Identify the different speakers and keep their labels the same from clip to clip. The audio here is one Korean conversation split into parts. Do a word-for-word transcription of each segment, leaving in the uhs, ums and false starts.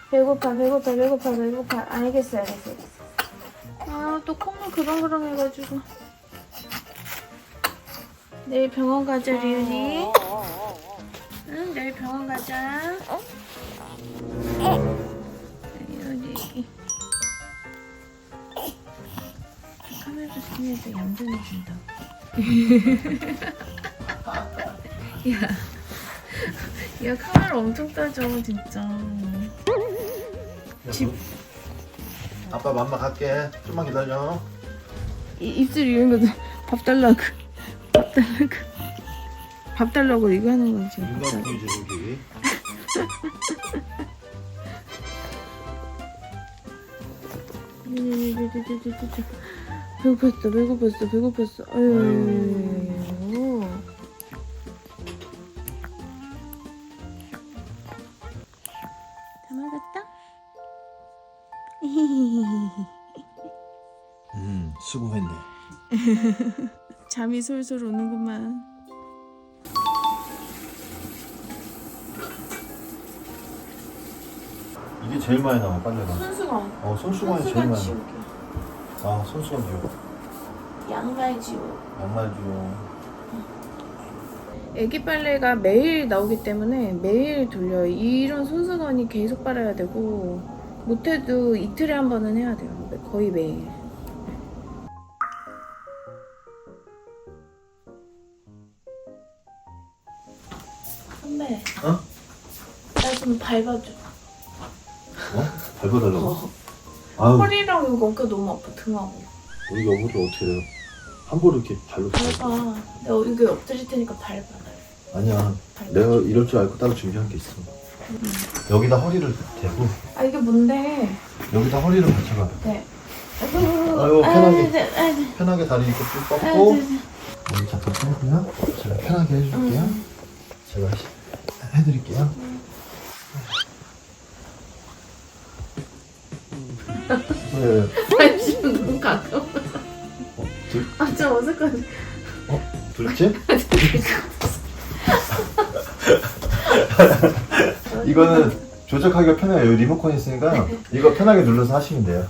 Speaker 1: 배고파 배고파 배고파 배고파. 알겠어 알겠어 알겠어. 아 또 콧물 그렁그렁 해가지고. 내일 병원 가자 리은이. 응 내일 병원 가자. 리은이. 카메라 스킨에서 얌전해진다. 야, 야 카메라 엄청 따져 진짜. 집
Speaker 2: 아빠 맘마 갈게. 좀만 기다려.
Speaker 1: 이, 입술 이런 거밥 달라고 밥 달라고 밥 달라고 이거 하는 거지.
Speaker 2: 이거 보이지 여기.
Speaker 1: 배고팠어 배고팠어 배고팠어. 아유. 다 먹었다?
Speaker 2: 음 수고했네.
Speaker 1: 잠이 솔솔 오는구만.
Speaker 2: 이게 제일 많이 나와 빨래가.
Speaker 1: 손수건.
Speaker 2: 어 손수건이 제일 많이 나와.
Speaker 1: 지우개.
Speaker 2: 아 손수건 지워.
Speaker 1: 양말 지우개.
Speaker 2: 양말 지워.
Speaker 1: 애기 빨래가 매일 나오기 때문에 매일 돌려요. 이런 손수건이 계속 빨아야 되고 못해도 이틀에 한 번은 해야 돼요. 거의 매일. 선배,
Speaker 2: 어?
Speaker 1: 나 좀 밟아줘.
Speaker 2: 어? 밟아달라고?
Speaker 1: 어.
Speaker 2: 아유
Speaker 1: 허리랑 이거 어깨 너무 아파, 등하고.
Speaker 2: 우리 여보를 어떻게 해요? 함부로 이렇게 발로
Speaker 1: 밟아. 내가 여기 엎드릴 테니까 밟아.
Speaker 2: 아니야
Speaker 1: 밟아.
Speaker 2: 내가 이럴 줄 알고 따로 준비한 게 있어.
Speaker 1: 응.
Speaker 2: 여기다 허리를 대고
Speaker 1: 아 이게 뭔데?
Speaker 2: 여기다 허리를 받쳐봐.
Speaker 1: 네.
Speaker 2: 아유, 편하게.
Speaker 1: 아, 네, 아, 네.
Speaker 2: 편하게 다리 이렇게 쭉
Speaker 1: 아,
Speaker 2: 뻗고
Speaker 1: 네, 네.
Speaker 2: 여기 잠깐 빼고요. 제가 편하게 해줄게요.
Speaker 1: 응.
Speaker 2: 제가 해드릴게요. 네.
Speaker 1: 관심은 너무 가까워.
Speaker 2: 어, 둘,
Speaker 1: 아, 좀 어색하지.
Speaker 2: 어, 둘째? 이거는 조작하기가 편해요. 여기 리모컨 있으니까 이거 편하게 눌러서 하시면 돼요.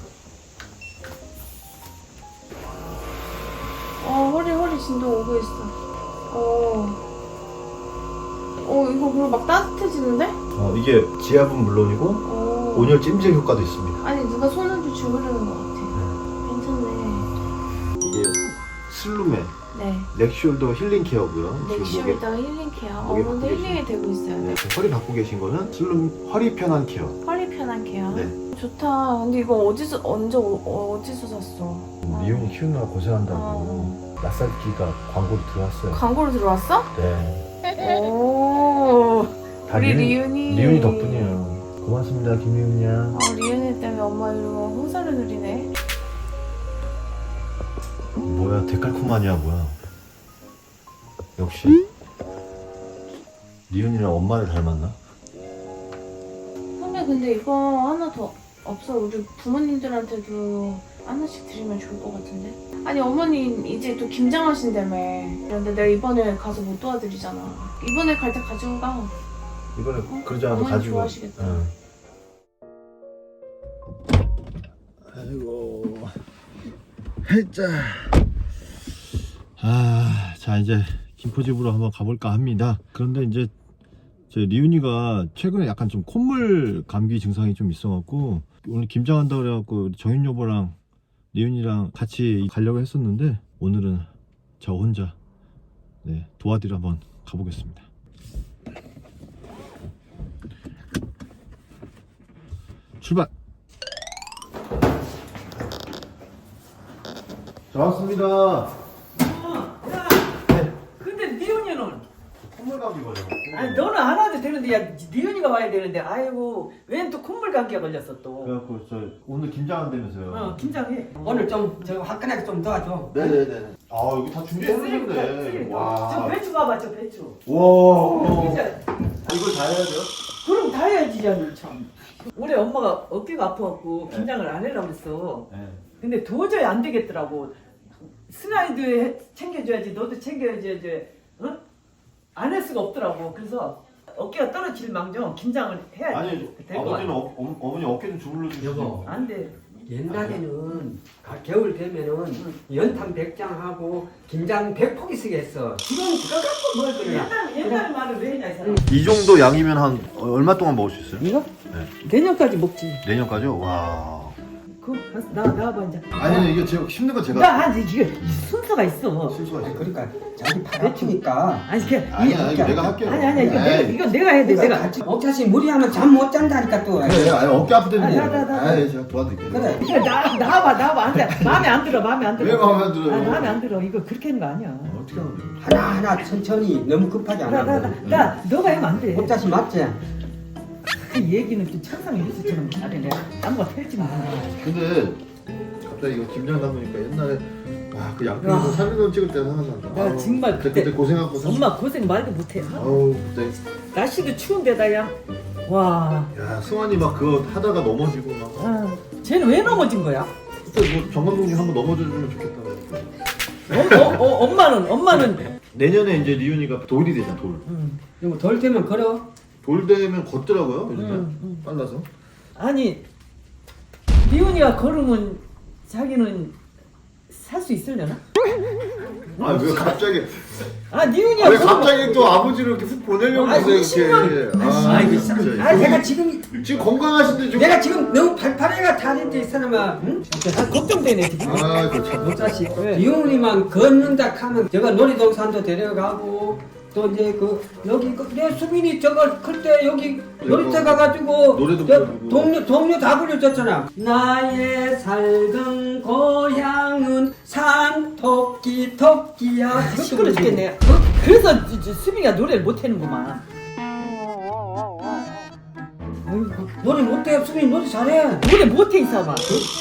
Speaker 1: 어, 허리, 허리 진동 오고 있어. 어. 어, 이거 그리고 막 따뜻해지는데?
Speaker 2: 어, 이게 지압은 물론이고
Speaker 1: 어.
Speaker 2: 온열 찜질 효과도 있습니다.
Speaker 1: 아니, 누가 손을 좀 주무르는 것 같아. 괜찮네.
Speaker 2: 이게 슬룸의
Speaker 1: 네.
Speaker 2: 넥숄더 힐링 케어고요.
Speaker 1: 넥슈얼더 힐링 케어.
Speaker 2: 목에
Speaker 1: 어머니
Speaker 2: 바꾸고
Speaker 1: 힐링이 되고 있어요.
Speaker 2: 네, 지금 허리 받고 계신 거는 슬룸 허리 편한 케어.
Speaker 1: 허리 편한 케어.
Speaker 2: 네.
Speaker 1: 좋다. 근데 이거 어디서, 언제, 어, 어디서 샀어?
Speaker 2: 미용이 키우느라 고생한다고
Speaker 1: 어.
Speaker 2: 낯살기가 광고로 들어왔어요.
Speaker 1: 광고로 들어왔어?
Speaker 2: 네.
Speaker 1: 오.
Speaker 2: 다
Speaker 1: 우리
Speaker 2: 리은-
Speaker 1: 리은이.
Speaker 2: 리은이 덕분이에요. 고맙습니다, 김리은 양.
Speaker 1: 아, 리은이 때문에 엄마 이러고 홍사를 누리네.
Speaker 2: 뭐야, 데칼코마니아 뭐야? 역시 리은이랑 엄마를 닮았나?
Speaker 1: 선배 근데 이거 하나 더 없어? 우리 부모님들한테도 하나씩 드리면 좋을 것 같은데? 아니 어머니 이제 또 김장하신다며. 그런데 내가 이번에 가서 못 도와드리잖아. 이번에 갈 때 가지고 가.
Speaker 2: 이번에
Speaker 1: 어?
Speaker 2: 그러지 않아도
Speaker 1: 어머니
Speaker 2: 가지고.
Speaker 1: 좋아하시겠다.
Speaker 2: 응. 아이고. 해자. 아, 자 이제 김포집으로 한번 가볼까 합니다. 그런데 이제 제 리은이가 최근에 약간 좀 콧물 감기 증상이 좀 있어갖고 오늘 김장한다 그래갖고 정윤 여보랑 리은이랑 같이 가려고 했었는데 오늘은 저 혼자 네, 도와드려 한번 가보겠습니다. 출발! 자, 왔습니다.
Speaker 3: 근데 니은이는
Speaker 2: 콧물 감기 걸려갖고
Speaker 3: 아니 너는 안 와도 되는데 야 니은이가 와야 되는데 아이고 웬 또 콧물 감기가 걸렸어 또.
Speaker 2: 그래갖고 저 오늘 김장한다면서요.
Speaker 3: 어 긴장해. 오늘 좀 저 화끈하게 좀 도와줘.
Speaker 2: 네네네. 아 여기 다 준비해놓으셨네.
Speaker 3: 저
Speaker 2: 와.
Speaker 3: 배추 봐봐 저 배추.
Speaker 2: 와.
Speaker 3: 진짜
Speaker 2: 이걸 다 해야 돼요?
Speaker 3: 그럼 다 해야지 야너 참. 올해 엄마가 어깨가 아파갖고 긴장을 안 해라고 했어.
Speaker 2: 네.
Speaker 3: 근데 도저히 안 되겠더라고. 승아이도 해- 챙겨줘야지 너도 챙겨야지. 어? 안 할 수가 없더라고. 그래서 어깨가 떨어질 망정 김장을 해야지.
Speaker 2: 아니
Speaker 3: 될것 같아.
Speaker 2: 아버지는 어, 어, 어머니 어깨 좀 주물러 주시죠.
Speaker 4: 여보.
Speaker 3: 안 돼.
Speaker 4: 옛날에는 가- 겨울 되면은 연탄 백장하고 김장 백포기 쓰게 했어. 지금 그거 갖고 뭘 그러냐?
Speaker 3: 옛날 옛날 말을 왜 했냐 이 사람.
Speaker 2: 이 정도 양이면 한 얼마 동안 먹을 수 있어요?
Speaker 3: 이거?
Speaker 2: 네.
Speaker 3: 내년까지 먹지.
Speaker 2: 내년까지요? 와.
Speaker 3: 그나 나와봐 이제.
Speaker 2: 아니 이게 제가 힘든 건 제가
Speaker 3: 나 아니 이게 순서가 있어.
Speaker 2: 실수가 있어요.
Speaker 4: 그러니까 자기 팔 아프니까.
Speaker 3: 아니 그
Speaker 2: 아니야 이거 내가 할게요.
Speaker 3: 아니 아니 이거
Speaker 2: 에이.
Speaker 3: 내가 이거 내가 해야 돼.
Speaker 4: 그러니까
Speaker 3: 내가.
Speaker 4: 같이 억자씨 무리하면 잠 못 잔다니까 또.
Speaker 2: 그래, 아니 어깨 아프다는
Speaker 3: 아,
Speaker 2: 거.
Speaker 3: 나, 나, 나.
Speaker 2: 아, 제가 도와드릴게요.
Speaker 4: 그래.
Speaker 3: 이거 나 나와봐 나와봐 안 돼. 마음에 안 들어 마음에 안 들어.
Speaker 2: 왜 마음에 안 들어요?
Speaker 3: 아, 마음에 안 들어. 이거 그렇게 하는 거 아니야.
Speaker 2: 어떻게 하면 돼요?
Speaker 4: 하나 하나 천천히 너무 급하지 않아.
Speaker 3: 나나나 나, 나, 너가 하면 안 돼.
Speaker 4: 억자씨 맞지?
Speaker 3: 그 얘기는 좀 천상의 뉴스처럼 하네. 내가 딴거 펼지 마.
Speaker 2: 근데 갑자기 이거 김장 담으니까 옛날에 와그 양평에서
Speaker 3: 와.
Speaker 2: 삼일원 찍을 때 생각난다.
Speaker 3: 나
Speaker 2: 아우,
Speaker 3: 정말
Speaker 2: 그때,
Speaker 3: 그때
Speaker 2: 그때 고생하고 사-
Speaker 3: 엄마 고생 말도 못해.
Speaker 2: 아우 그때
Speaker 3: 날씨도 추운데다 야. 와.
Speaker 2: 야 승환이 막 그거 하다가 넘어지고 막
Speaker 3: 아, 쟤는 왜 넘어진 거야?
Speaker 2: 그때 뭐 정감독님 한번 넘어져주면 좋겠다고.
Speaker 3: 어, 어, 어, 엄마는 엄마는.
Speaker 2: 내년에 이제 리윤이가 돌이 되잖아 돌.
Speaker 3: 음,
Speaker 4: 이거 덜 되면 걸어.
Speaker 2: 돌 되면 걷더라고요 요즘에
Speaker 3: 음, 음.
Speaker 2: 빨라서.
Speaker 3: 아니 리훈이가 걸으면 자기는 살 수 있으려나?
Speaker 2: 아 왜 갑자기
Speaker 3: 아 리훈이가
Speaker 2: 아, 왜
Speaker 3: 걸으면-
Speaker 2: 갑자기 또 아버지를 이렇게 훅 보내려고
Speaker 3: 아이,
Speaker 2: 그러세요
Speaker 3: 이십만
Speaker 2: 이렇게.
Speaker 4: 아이고
Speaker 2: 진짜.
Speaker 4: 아 내가 지금
Speaker 2: 지금 건강하신데 지금.
Speaker 4: 내가 지금 너무 팔팔해가 다닌데 이 사람아. 응?
Speaker 3: 아, 걱정되네 지금.
Speaker 2: 아 그참.
Speaker 4: 억자씨
Speaker 3: 왜?
Speaker 4: 이혼이만 걷는다 하면 제가 놀이동산도 데려가고 또 이제 그 여기 그 내 수민이 저거 클 때 여기 놀이터 가가지고
Speaker 2: 노래도
Speaker 4: 저
Speaker 2: 부르고.
Speaker 4: 동료 동료 다 불려줬잖아. 나의 살던 고향은 산 토끼 토끼야.
Speaker 3: 아, 시끄러 죽겠네. 어? 그래서 이제 수빈이가 노래를 못하는구만.
Speaker 4: 노래 못해. 수민이 노래 잘해.
Speaker 3: 노래 못해 이 사람아.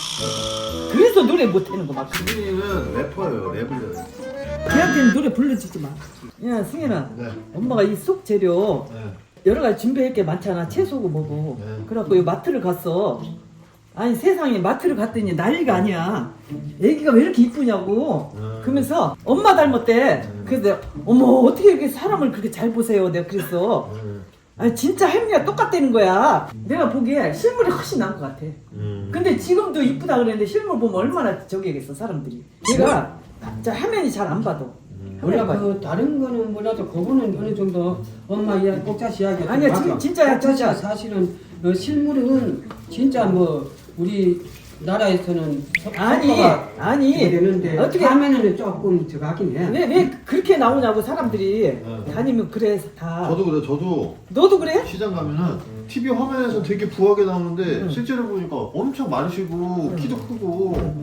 Speaker 3: 그래서 노래 못하는구만.
Speaker 2: 수빈이는 래퍼예요 랩을 해요.
Speaker 3: 걔한테는 노래 불러주지 마. 야 승현아,
Speaker 2: 네.
Speaker 3: 엄마가 이 속 재료
Speaker 2: 네.
Speaker 3: 여러 가지 준비할 게 많잖아. 채소고 뭐고.
Speaker 2: 네.
Speaker 3: 그래갖고 이 마트를 갔어. 아니 세상에 마트를 갔더니 난리가 아니야. 애기가 왜 이렇게 이쁘냐고.
Speaker 2: 음.
Speaker 3: 그러면서 엄마 닮았대.
Speaker 2: 음.
Speaker 3: 그래서 내가 어머 어떻게 이렇게 사람을 그렇게 잘 보세요. 내가 그랬어.
Speaker 2: 음.
Speaker 3: 아니 진짜 할머니가 똑같다는 거야. 내가 보기에 실물이 훨씬 나은 것 같아.
Speaker 2: 음.
Speaker 3: 근데 지금도 이쁘다 그랬는데 실물 보면 얼마나 저기겠어 사람들이. 내가 저 화면이 잘 안 봐도.
Speaker 4: 몰라
Speaker 3: 화면이
Speaker 4: 그 다른 거는 몰라도 그거는 어느 정도 엄마 이야기 꼭자시 이야기
Speaker 3: 아니야, 진- 진짜야,
Speaker 4: 꼭자시야
Speaker 3: 진짜.
Speaker 4: 사실은 어, 실물은 진짜 뭐 우리 나라에서는 서-
Speaker 3: 아니,
Speaker 4: 속도가
Speaker 3: 아니.
Speaker 4: 되는데
Speaker 3: 어떻게-
Speaker 4: 화면에는 조금 저거 하긴 해.
Speaker 3: 왜, 왜 그렇게 나오냐고 사람들이
Speaker 2: 네.
Speaker 3: 다니면 그래 다.
Speaker 2: 저도 그래 저도
Speaker 3: 너도 그래?
Speaker 2: 시장 가면은 티비 화면에서 되게 부하게 나오는데
Speaker 3: 응.
Speaker 2: 실제로 보니까 엄청 마르시고 키도 크고.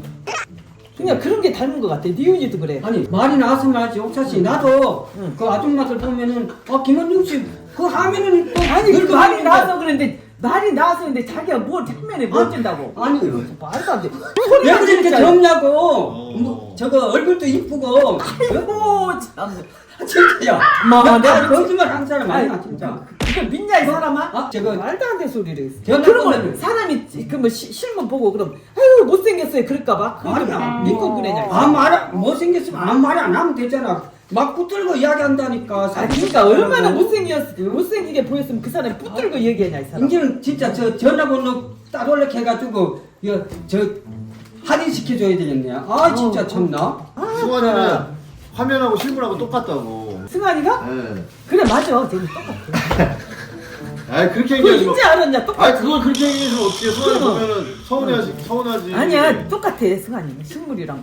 Speaker 3: 그냥 그런 게 닮은 것 같아. 니은이도 그래.
Speaker 4: 아니 말이 나와서 말이지 옥차씨 나도
Speaker 3: 응.
Speaker 4: 그 아줌마들 보면은 어 김원중 씨 그 화면은 또
Speaker 3: 아니 그
Speaker 4: 늙어
Speaker 3: 말이
Speaker 4: 보이는데.
Speaker 3: 나와서 그랬는데 말이 나와서 그랬는데 자기가 뭘 화면에 못 찐다고.
Speaker 4: 아니
Speaker 3: 말도 안 돼.
Speaker 4: 왜
Speaker 3: 소리가
Speaker 4: 그렇게
Speaker 3: 진짜.
Speaker 4: 젊냐고
Speaker 2: 어.
Speaker 4: 뭐, 저거 얼굴도 이쁘고
Speaker 3: 아이고 참.
Speaker 4: 진짜야
Speaker 3: 마,
Speaker 4: 나
Speaker 3: 내가
Speaker 4: 거짓말 한 사람 아니야
Speaker 3: 아니,
Speaker 4: 진짜.
Speaker 3: 이걸 믿냐 이 사람아?
Speaker 4: 아, 저거-
Speaker 3: 말도 안 되는 소리를 했어.
Speaker 4: 전화
Speaker 3: 그러면
Speaker 4: 보내면-
Speaker 3: 사람이 그뭐 실물 보고 그럼 아유 못생겼어요 그럴까봐 그것도
Speaker 4: 아니야.
Speaker 3: 믿고 그래냐.
Speaker 4: 아무 말 못생겼으면 아무 말 안 하면 되잖아. 막 붙들고 이야기한다니까.
Speaker 3: 아 그러니까 얼마나 못생겼 못생기게 보였으면 그 사람이 붙들고 얘기하냐 이 사람.
Speaker 4: 이제는 진짜 저 전화번호 따로 이렇게 해가지고 이거 저 할인 시켜줘야 되겠네. 아 진짜
Speaker 3: 어.
Speaker 4: 참나.
Speaker 3: 아,
Speaker 2: 승환이는 화면하고 실물하고 똑같다고.
Speaker 3: 승환이가?
Speaker 2: 예.
Speaker 3: 그래 맞아. 쟤는 똑같아.
Speaker 2: 아 그렇게
Speaker 3: 그거
Speaker 2: 얘기하지 마.
Speaker 3: 이제 알았냐 똑같아.
Speaker 2: 아 그걸 그렇게 얘기해서 어떻게 승환이
Speaker 3: 그럼.
Speaker 2: 보면은 서운해하지 서운하지.
Speaker 3: 아니야 똑같아 승환이 실물이랑.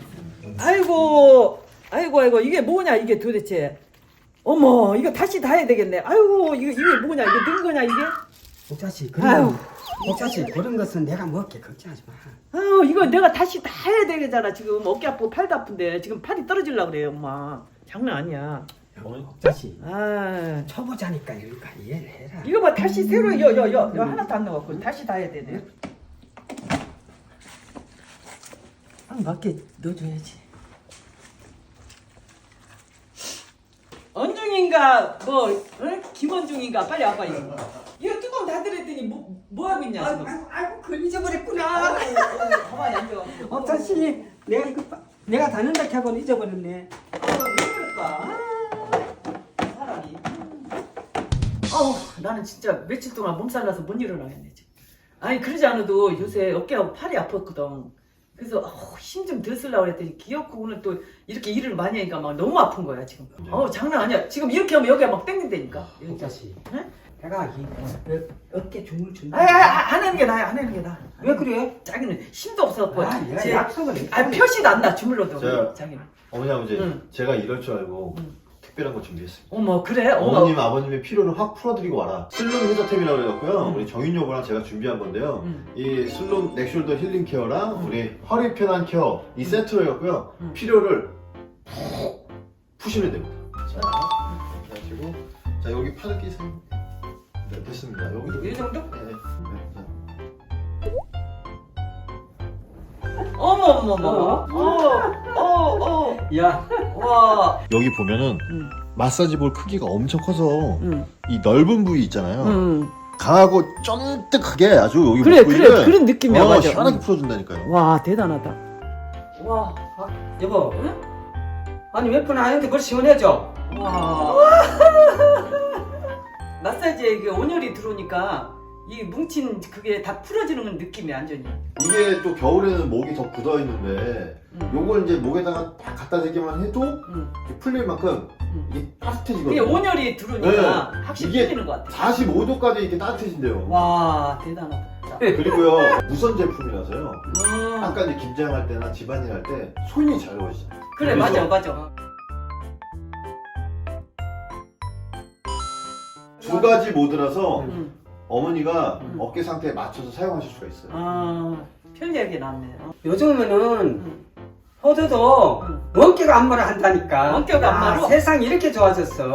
Speaker 3: 아이고 아이고 아이고 이게 뭐냐 이게 도대체. 어머 이거 다시 다 해야 되겠네. 아이고 이거 이게 뭐냐 이게 는 거냐 이게?
Speaker 4: 옥자씨
Speaker 3: 아유.
Speaker 4: 그런 옥자씨 그런 것은 내가 먹게 걱정하지 마.
Speaker 3: 아유 이거 내가 다시 다 해야 되겠잖아 지금 어깨 아프고 팔도 아픈데 지금 팔이 떨어질라 그래요 엄마. 장난 아니야.
Speaker 4: 옥자씨
Speaker 3: 아
Speaker 4: 초보자니까 이러니까 이해를 해라.
Speaker 3: 이거 봐 다시 새로 여여여 여 하나도 안 넣어갖고 다시 다 해야 되네. 딱 맞게 넣어줘야지. 언중인가 뭐 응? 김원중인가 빨리 와봐 이거. 이거 뚜껑 닫으랬더니 뭐, 뭐 하고 있냐
Speaker 4: 아이고
Speaker 3: 지금.
Speaker 4: 아이고 아이고 그걸 잊어버렸구나.
Speaker 3: 가만히 앉아.
Speaker 4: 옥자씨 내가 이거 빠- 내가 다는다 하고는 잊어버렸네.
Speaker 3: 아, 왜 그럴까? 아, 사람이. 어, 나는 진짜 며칠 동안 몸살 나서 못 일어나겠네 지금. 아니 그러지 않아도 요새 어깨하고 팔이 아팠거든. 그래서 어, 힘 좀 더 쓰려고 했더니 기어코 오늘 또 이렇게 일을 많이 하니까 막 너무 아픈 거야 지금. 어 장난 아니야. 지금 이렇게 하면 여기가 막 땡긴다니까. 여기.
Speaker 4: 자식.
Speaker 3: 응?
Speaker 4: 내가 이 어, 어깨 주물 준다.
Speaker 3: 아니, 아니, 안 하는 게 나아, 안 하는 게 나아.
Speaker 4: 왜 그래?
Speaker 3: 자기는 힘도 없어갖고.
Speaker 4: 아, 내가
Speaker 3: 제-
Speaker 4: 약속을 했어.
Speaker 3: 아, 표시도 안 나, 주물러도.
Speaker 2: 제가-
Speaker 3: 자기는.
Speaker 2: 어머니 아버지
Speaker 3: 응.
Speaker 2: 제가 이럴 줄 알고
Speaker 3: 응.
Speaker 2: 특별한 거 준비했습니다.
Speaker 3: 어머, 그래? 어머.
Speaker 2: 어머님 아버님의 필요를 확 풀어드리고 와라. 슬룸 해저템이라고 그래갖고요.
Speaker 3: 응.
Speaker 2: 우리 정윤 여보랑 제가 준비한 건데요.
Speaker 3: 응.
Speaker 2: 이 슬룸 넥숄더 힐링 케어랑
Speaker 3: 응.
Speaker 2: 우리 허리 편한 케어 이
Speaker 3: 응.
Speaker 2: 세트로 해갖고요.
Speaker 3: 응.
Speaker 2: 필요를 푹 푸시면 됩니다. 자, 이렇게 하시고 자 여기 팔을 끼세요. 네, 됐습니다. 여기도
Speaker 3: 이 정도?
Speaker 2: 네, 네. 자.
Speaker 3: 어머, 어머, 어머. 어, 어, 어.
Speaker 4: 야,
Speaker 3: 와.
Speaker 2: 여기 보면은
Speaker 3: 응.
Speaker 2: 마사지 볼 크기가 엄청 커서
Speaker 3: 응.
Speaker 2: 이 넓은 부위 있잖아요.
Speaker 3: 응.
Speaker 2: 강하고 쫀득하게 아주 여기
Speaker 3: 그래,
Speaker 2: 목 부위를
Speaker 3: 그래. 그런 느낌이야,
Speaker 2: 어,
Speaker 3: 맞아.
Speaker 2: 시원하게
Speaker 3: 응.
Speaker 2: 풀어준다니까요.
Speaker 3: 와, 대단하다. 와.
Speaker 4: 여보.
Speaker 3: 응?
Speaker 4: 아니 몇 분 하는데 그걸 시원해져?
Speaker 3: 와. 마사지에 이게 온열이 들어오니까 이 뭉친 그게 다 풀어지는 느낌이 완전히.
Speaker 2: 이게 또 겨울에는 목이 더 굳어 있는데
Speaker 3: 응.
Speaker 2: 요걸 이제 목에다가 딱 갖다 대기만 해도
Speaker 3: 응.
Speaker 2: 이게 풀릴 만큼
Speaker 3: 응.
Speaker 2: 이게
Speaker 3: 그게
Speaker 2: 따뜻해지거든요.
Speaker 3: 온열이 들어오니까
Speaker 2: 네.
Speaker 3: 확실히
Speaker 2: 이게
Speaker 3: 풀리는 것 같아.
Speaker 2: 사십오 도까지 이렇게 따뜻해진대요.
Speaker 3: 와, 대단하다. 자.
Speaker 2: 그리고요 무선 제품이라서요.
Speaker 3: 음.
Speaker 2: 아까 이제 김장할 때나 집안일 할 때 손이 잘 오시잖아요.
Speaker 3: 그래, 맞아, 맞아.
Speaker 2: 두 가지 모드라서
Speaker 3: 응.
Speaker 2: 어머니가
Speaker 3: 음.
Speaker 2: 어깨 상태에 맞춰서 사용하실 수가 있어요.
Speaker 3: 아, 편리하게 나왔네. 어.
Speaker 4: 요즘에는
Speaker 3: 응.
Speaker 4: 호두도
Speaker 3: 응.
Speaker 4: 원격 안마를 한다니까.
Speaker 3: 원격 안마로?
Speaker 4: 아, 세상이 이렇게 좋아졌어.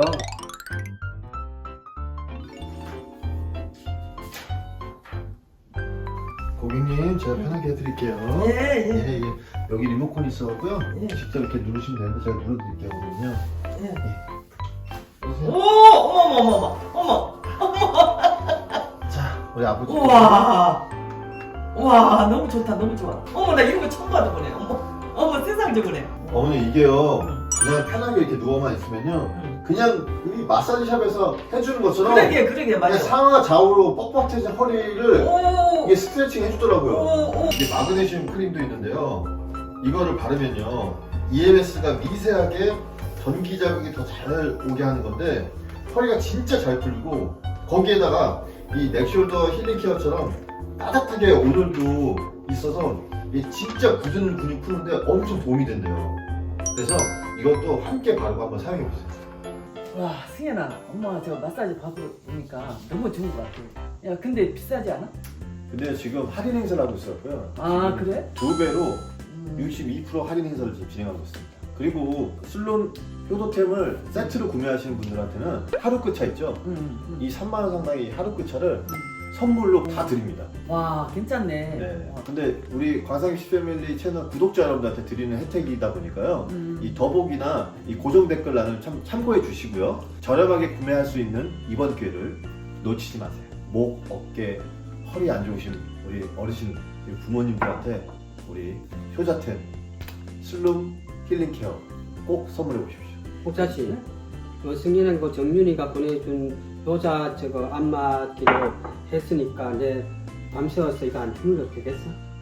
Speaker 2: 고객님 제가 편하게 해드릴게요.
Speaker 3: 예, 예.
Speaker 2: 예, 예. 여기 리모컨이 있어갖고요.
Speaker 3: 예.
Speaker 2: 직접 이렇게 누르시면 되는데 제가 눌러드릴게요. 거든요.
Speaker 3: 예.
Speaker 2: 보세요.
Speaker 3: 오, 어머, 어머, 어머, 어머.
Speaker 2: 자, 우리 아버지.
Speaker 3: 우와. 우와, 너무 좋다, 너무 좋아. 어머, 나 이런 거 처음 봐도보네. 어머, 어머, 세상 저거네.
Speaker 2: 어머니 이게요.
Speaker 3: 응.
Speaker 2: 그냥 편하게 이렇게 누워만 있으면요.
Speaker 3: 응.
Speaker 2: 그냥 우리 마사지샵에서 해주는 것처럼
Speaker 3: 그러게, 그러게,
Speaker 2: 그냥
Speaker 3: 맞아.
Speaker 2: 상하 좌우로 뻣뻣해진 허리를
Speaker 3: 오,
Speaker 2: 이게 스트레칭 해주더라고요.
Speaker 3: 오, 오.
Speaker 2: 이게 마그네슘 크림도 있는데요. 이거를 바르면요. 이엠에스가 미세하게 전기 자극이 더 잘 오게 하는 건데 허리가 진짜 잘 풀리고 거기에다가 이 넥숄더 힐링 케어처럼 따뜻하게 온열도 있어서 이게 진짜 굳은 근육 푸는데 엄청 도움이 된대요. 그래서 이것도 함께 바르고 한번 사용해보세요.
Speaker 3: 와, 승현아, 엄마 저 마사지 받으러 오니까 너무 좋은 것 같아. 야, 근데 비싸지 않아?
Speaker 2: 근데 지금 할인 행사를 하고 있어요.
Speaker 3: 아, 그래?
Speaker 2: 두 배로
Speaker 3: 음.
Speaker 2: 육십이 퍼센트 할인 행사를 지금 진행하고 있습니다. 그리고 슬론 효도템을 세트로 구매하시는 분들한테는 하루 끝차 있죠?
Speaker 3: 음, 음.
Speaker 2: 이 삼만 원 상당의 하루 끝차를 선물로 다 드립니다.
Speaker 3: 와, 괜찮네.
Speaker 2: 네.
Speaker 3: 와.
Speaker 2: 근데 우리 광상식 패밀리 채널 구독자 여러분들한테 드리는 혜택이다 보니까요.
Speaker 3: 음.
Speaker 2: 이 더보기나 이 고정 댓글란을 참 참고해 주시고요. 저렴하게 구매할 수 있는 이번 기회를 놓치지 마세요. 목, 어깨, 허리 안 좋으신 우리 어르신, 우리 부모님들한테 우리 효자템 슬룸 힐링 케어 꼭 선물해 보십시오.
Speaker 4: 혹자씨, 그 승인한 거 정윤이가 보내준 효자 저거 안마기로 했으니까 내 밤새워서 이거 안 주물러도 되겠어?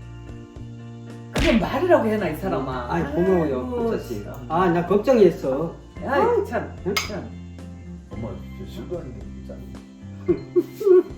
Speaker 3: 그건 말이라고 해놔, 이 사람아.
Speaker 4: 아이 고마워요,
Speaker 3: 아이고,
Speaker 4: 혹자씨.
Speaker 3: 참.
Speaker 4: 아, 나 걱정했어.
Speaker 3: 아이, 참. 참.
Speaker 2: 엄마 진짜 술도 아닌데 진짜.